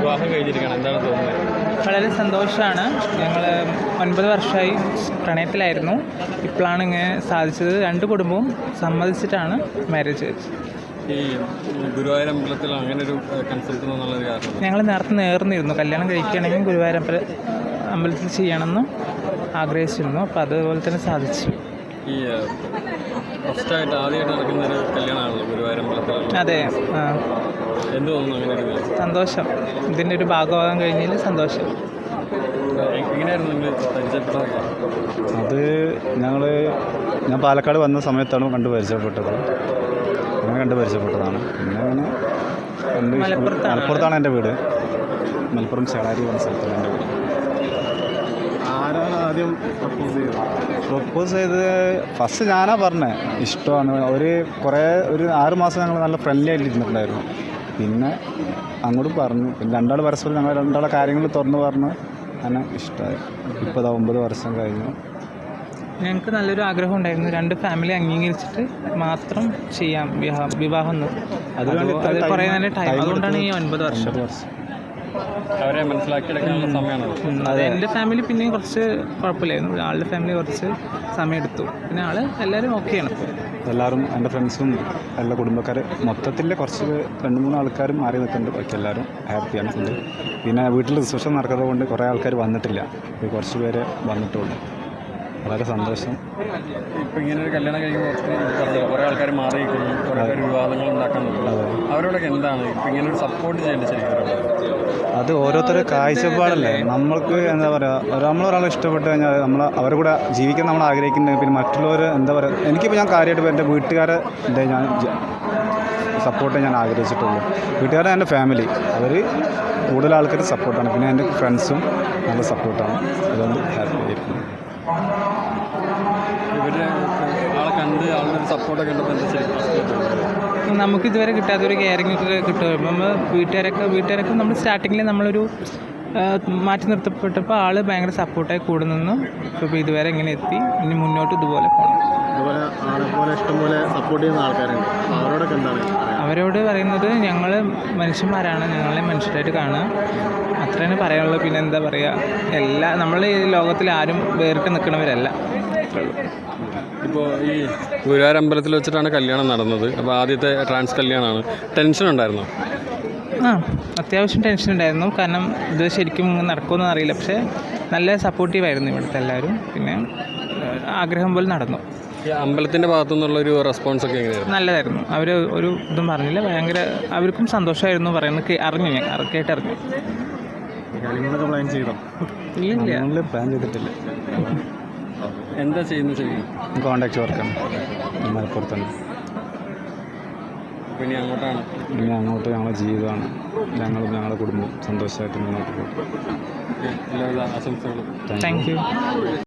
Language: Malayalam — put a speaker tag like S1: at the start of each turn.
S1: വിവാഹം കഴിഞ്ഞിരിക്കുകയാണ്, എന്താണ് തോന്നുന്നത്?
S2: വളരെ സന്തോഷമാണ്. ഞങ്ങൾ 9 വർഷമായി പ്രണയത്തിലായിരുന്നു. ഇപ്പോഴാണ് ഇങ്ങനെ സാധിച്ചത്. 2 കുടുംബവും സമ്മതിച്ചിട്ടാണ് മാരേജ് വെച്ചത്.
S1: ഈ ഗുരുവായൂർ അമ്പലത്തിൽ അങ്ങനെ ഒരു കൺസെപ്റ്റ് എന്നുള്ളൊരു കാരണം
S2: ഞങ്ങൾ നേരത്തെ നേർന്നിരുന്നു, കല്യാണം കഴിക്കുകയാണെങ്കിൽ ഗുരുവായൂർ അമ്പലത്തിൽ ചെയ്യണമെന്ന് ആഗ്രഹിച്ചിരുന്നു. അപ്പോൾ അതുപോലെ തന്നെ സാധിച്ചു.
S1: ഈ ഫസ്റ്റായിട്ട് ആദ്യമായിട്ട് നടക്കുന്ന ഒരു കല്യാണമാണല്ലോ ഗുരുവായൂർ അമ്പലത്തിൽ.
S2: അതെ,
S1: എന്ത് തോന്നുന്നു അങ്ങനെ ഒരു
S2: സന്തോഷം. ഇതിൻ്റെ ഒരു ഭാഗമാകാൻ കഴിഞ്ഞതിൽ സന്തോഷം.
S1: എങ്ങനെയായിരുന്നു നിങ്ങൾ പരിചയപ്പെട്ടതൊക്കെ?
S3: അത് ഞാൻ പാലക്കാട് വന്ന സമയത്താണ് കണ്ടു പരിചയപ്പെട്ടത്. അങ്ങനെ കണ്ടു പരിചയപ്പെട്ടതാണ്. പിന്നെ അങ്ങനെ മലപ്പുറത്താണ് എൻ്റെ വീട്. മലപ്പുറം ചേളാരി എന്ന സ്ഥലത്താണ് എൻ്റെ വീട്.
S4: ആരാണ് ആദ്യം
S3: പ്രപ്പോസ് ചെയ്ത് ഫസ്റ്റ് ഞാനാ പറഞ്ഞത് ഇഷ്ടമാണ്. ഒരു 6 മാസം ഞങ്ങൾ നല്ല ഫ്രണ്ട്ലി ആയിട്ട് ഇരുന്നിട്ടുണ്ടായിരുന്നു. പിന്നെ അങ്ങോട്ട് പറഞ്ഞു. പിന്നെ രണ്ടാൾ പരസ്പരം ഞങ്ങൾ രണ്ടാളെ കാര്യങ്ങൾ തുറന്ന് പറഞ്ഞ് അങ്ങനെ ഇഷ്ടമായി. ഇപ്പോൾ 9 വർഷം കഴിഞ്ഞു.
S2: ഞങ്ങൾക്ക് നല്ലൊരു ആഗ്രഹം ഉണ്ടായിരുന്നു, 2 ഫാമിലി അംഗീകരിച്ചിട്ട് മാത്രം ചെയ്യാം വിവാഹം. അത് കുറേ നല്ല ടൈം, അതുകൊണ്ടാണ് ഈ 9 വർഷം.
S1: അവരെ മനസ്സിലാക്കിയെടുക്കാനുള്ള സമയമാണ്.
S2: അത് എൻ്റെ ഫാമിലി പിന്നെയും കുറച്ച് കുഴപ്പമില്ലായിരുന്നു. ആളുടെ ഫാമിലി കുറച്ച് സമയം എടുത്തു. പിന്നെ എല്ലാവരും ഓക്കെയാണ്.
S3: എല്ലാവരും എൻ്റെ ഫ്രണ്ട്സും എല്ലാ കുടുംബക്കാർ മൊത്തത്തിൽ കുറച്ച് 2-3 ആൾക്കാരും മാറി നിൽക്കുന്നുണ്ട്. ബാക്കി എല്ലാവരും ഹാപ്പിയാണ് ഫുള്ള്. പിന്നെ വീട്ടിൽ റിസപ്ഷൻ നടക്കുന്നത് കൊണ്ട് കുറേ ആൾക്കാർ വന്നിട്ടില്ല. കുറച്ച് പേരെ വന്നിട്ടുള്ളൂ. വളരെ സന്തോഷം.
S1: ഇപ്പം ഇങ്ങനെ ഒരു കല്യാണം കഴിക്കുമ്പോൾ കുറേ ആൾക്കാർ മാറി നിൽക്കുന്നു, കുറേ പേർ വിവാദങ്ങൾ ഉണ്ടാക്കാൻ നോക്കുന്നു. അവരോടൊക്കെ എന്താണ് ഇപ്പം ഇങ്ങനെ ഒരു സപ്പോർട്ട് ചെയ്യേണ്ടത്? ശരിക്കും
S3: അത് ഓരോരുത്തരുടെ കാഴ്ചപ്പാടല്ലേ. നമ്മൾക്ക് എന്താ പറയുക, നമ്മളൊരാളെ ഇഷ്ടപ്പെട്ട് കഴിഞ്ഞാൽ അവരുടെ കൂടെ ജീവിക്കാൻ നമ്മൾ ആഗ്രഹിക്കുന്നുണ്ടെങ്കിൽ പിന്നെ മറ്റുള്ളവർ എന്താ പറയുക. എനിക്കിപ്പോൾ ഞാൻ കാര്യമായിട്ട് എൻ്റെ വീട്ടുകാരെ ഞാൻ സപ്പോർട്ട് ഞാൻ ആഗ്രഹിച്ചിട്ടുള്ളൂ. വീട്ടുകാരെ എൻ്റെ ഫാമിലി അവർ കൂടുതൽ ആൾക്കാർ സപ്പോർട്ടാണ്. പിന്നെ എൻ്റെ ഫ്രണ്ട്സും നല്ല സപ്പോർട്ടാണ്. അതുകൊണ്ട് ഹാപ്പി ആയിരിക്കും.
S1: ഇവരുടെ ആളെ കണ്ട് ആളുടെ ഒരു സപ്പോർട്ടൊക്കെ ഉണ്ടപ്പോൾ എന്താ ശരിക്കും
S2: നമുക്ക് ഇതുവരെ കിട്ടാത്തൊരു കെയറിംഗ് ഒക്കെ കിട്ടും. നമ്മൾ വീട്ടുകാരൊക്കെ നമ്മൾ സ്റ്റാർട്ടിങ്ങിൽ നമ്മളൊരു മാറ്റി നിർത്തപ്പെട്ടപ്പോൾ ആൾ ഭയങ്കര സപ്പോർട്ടായി കൂടെ നിന്ന് ഇപ്പോൾ ഇതുവരെ ഇങ്ങനെ എത്തി. ഇനി മുന്നോട്ട് ഇതുപോലെ പോകണം.
S4: അതുപോലെ ആളെപ്പോലെ ഇഷ്ടംപോലെ സപ്പോർട്ട് ചെയ്യുന്ന ആൾക്കാരുണ്ട്. അവരോടൊക്കെ എന്താണ്?
S2: അവരോട് പറയുന്നത് ഞങ്ങൾ മനുഷ്യന്മാരാണ്, ഞങ്ങളെ മനുഷ്യരായിട്ട് കാണുക, അത്രയാണ് പറയാനുള്ളത്. പിന്നെ എന്താ പറയുക, നമ്മൾ ഈ ലോകത്തിൽ ആരും വേറിട്ട് നിൽക്കുന്നവരല്ല.
S1: ഇപ്പോൾ ഈ ഗുരുവായൂർ അമ്പലത്തിൽ വെച്ചിട്ടാണ് കല്യാണം നടന്നത്. അപ്പോൾ ആദ്യത്തെ ട്രാൻസ് കല്യാണമാണ്. ടെൻഷൻ ഉണ്ടായിരുന്നോ?
S2: അത്യാവശ്യം ടെൻഷൻ ഉണ്ടായിരുന്നു. കാരണം ഇത് ശരിക്കും നടക്കുമെന്ന് അറിയില്ല. പക്ഷേ നല്ല സപ്പോർട്ടീവായിരുന്നു ഇവിടുത്തെ എല്ലാവരും. പിന്നെ ആഗ്രഹം പോലെ നടന്നു.
S1: ഈ അമ്പലത്തിൻ്റെ ഭാഗത്തു നിന്നുള്ളൊരു റെസ്പോൺസൊക്കെ എങ്ങനെയായിരുന്നു?
S2: നല്ലതായിരുന്നു. അവർ ഒരു ഇതും പറഞ്ഞില്ല. ഭയങ്കര അവർക്കും സന്തോഷമായിരുന്നു പറയുന്നത്. അറിഞ്ഞു, ഞാൻ കേട്ടറിഞ്ഞു.
S4: കാര്യങ്ങളൊക്കെ പ്ലാൻ ചെയ്തോ?
S2: ഇല്ല,
S3: പ്ലാൻ ചെയ്തിട്ടില്ല.
S1: എന്താ ചെയ്യുന്നത്? ശരിക്കും
S3: കോൺടാക്ട് വർക്കാണ് മലപ്പുറത്താണ്.
S1: പിന്നെ
S3: അങ്ങോട്ട് ഞങ്ങളുടെ ജീവിതമാണ്. ഞങ്ങളുടെ കുടുംബം സന്തോഷമായിട്ട് മുന്നോട്ട് പോകും.
S1: എല്ലാവിധ ആശംസകളും.
S2: Thank U.